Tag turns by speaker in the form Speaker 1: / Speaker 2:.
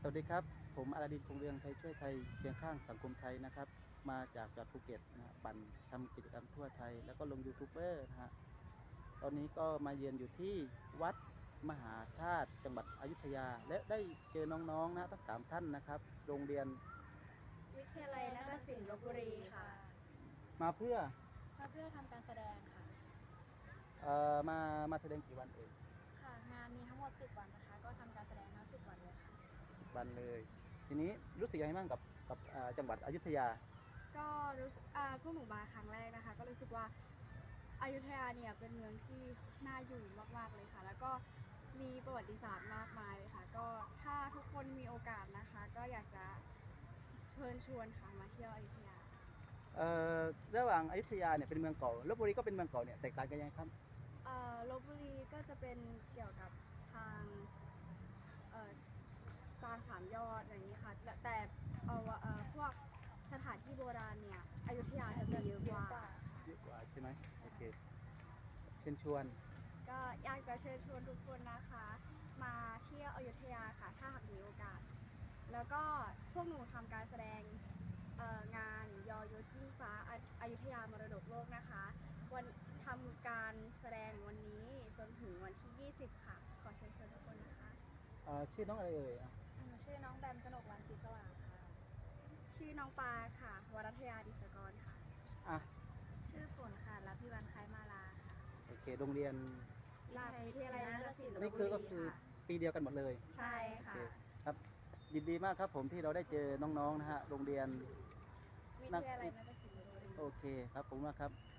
Speaker 1: สวัสดีครับผมอาราดินคงเรืองไทยช่วยไทยเคียงข้างสังคมไทยนะครับมาจากจังหวัดภูเก็ตนะฮะปั่นทำกิจกรรมทั่วไทยแล้วก็ลงยูทูบเบอร์นะฮะตอนนี้ก็มาเยือนอยู่ที่วัดมหาธาตุจังหวัดอยุธยาและได้เจอน้องๆนะทั้ง3ท่านนะครับโรงเรียน
Speaker 2: วิทยาลัยนาฏศิลป์ลพบุรีค่ะ
Speaker 1: มาเพื่อ
Speaker 2: ทำการแสดงค่ะ
Speaker 1: มาแสดงกี่วันเอง
Speaker 2: ค่ะ งานมีทั้งหมด10 วันนะคะ ก็ทำการแสดงทั้ง10 วันเลยค่ะ
Speaker 1: วันเลยทีนี้รู้สึกยังไงบ้างกับจังหวัดอยุธยา
Speaker 2: ก็รู้สึกพวกหนูมาครั้งแรกนะคะ ก็รู้สึกว่าอยุธยาเนี่ยเป็นเมืองที่น่าอยู่มากๆเลยค่ะ แล้วก็มีประวัติศาสตร์มากมายเลยค่ะ ก็ถ้าทุกคนมีโอกาสนะคะ ก็อยากจะเชิญชวนค่ะมาเที่ยวอยุธยา
Speaker 1: เอ่อระหว่างอยุธยาเนี่ยเป็นเมืองเก่าลพบุรีก็เป็นเมืองเก่าเนี่ยแตกต่างกันยังไงครับ
Speaker 2: ลพบุรีก็จะเป็นเกี่ยวกับทางเอ่อปางสามยอดอะไรอย่างนี้ค่ะแต่พวกสถานที่โบราณเนี่ยอยุธยาจะเยอะกว่า
Speaker 1: เยอะกว่าใช่ไหมโอเคเชิญชวน
Speaker 2: ก็อยากจะเชิญชวนทุกคนนะคะมาเที่ยวอยุธยาค่ะถ้าหากมีโอกาสแล้วก็พวกหนูทำการแสดงงานยอยุทธยิ่งฟ้าอยุธยามรดกโลกนะคะวันทำการแสดงวันนี้จนถึงวันที่ 20 ค่ะขอเชิญชวนทุกคนนะคะ
Speaker 1: ชื่อน้องอะไรเอ่ย
Speaker 2: ชื่อน้องแบมกนกวันศรีสว่างค่ะชื่อน้องปาค่ะวรัตยาดิศกรค่ะ
Speaker 1: อ่ะ
Speaker 2: ชื่อฝนค่ะรับพิวันคล้ายมาลาค่ะ
Speaker 1: โอเคโรงเรียน
Speaker 2: วิทยาลัยนาฏศิลป์ลพ
Speaker 1: นี่
Speaker 2: บุ
Speaker 1: คือ
Speaker 2: รี
Speaker 1: ก็คือ
Speaker 2: ค่ะ
Speaker 1: ปีเดียวกันหมดเลย
Speaker 2: ใช่ค่ะ
Speaker 1: ครับยินดีมากครับผมที่เราได้เจอน้องๆนะฮะโรงเรียน
Speaker 2: วิทยาลัยนาฏศิลป์ลพบุรี
Speaker 1: โอเคครับผมมากครับ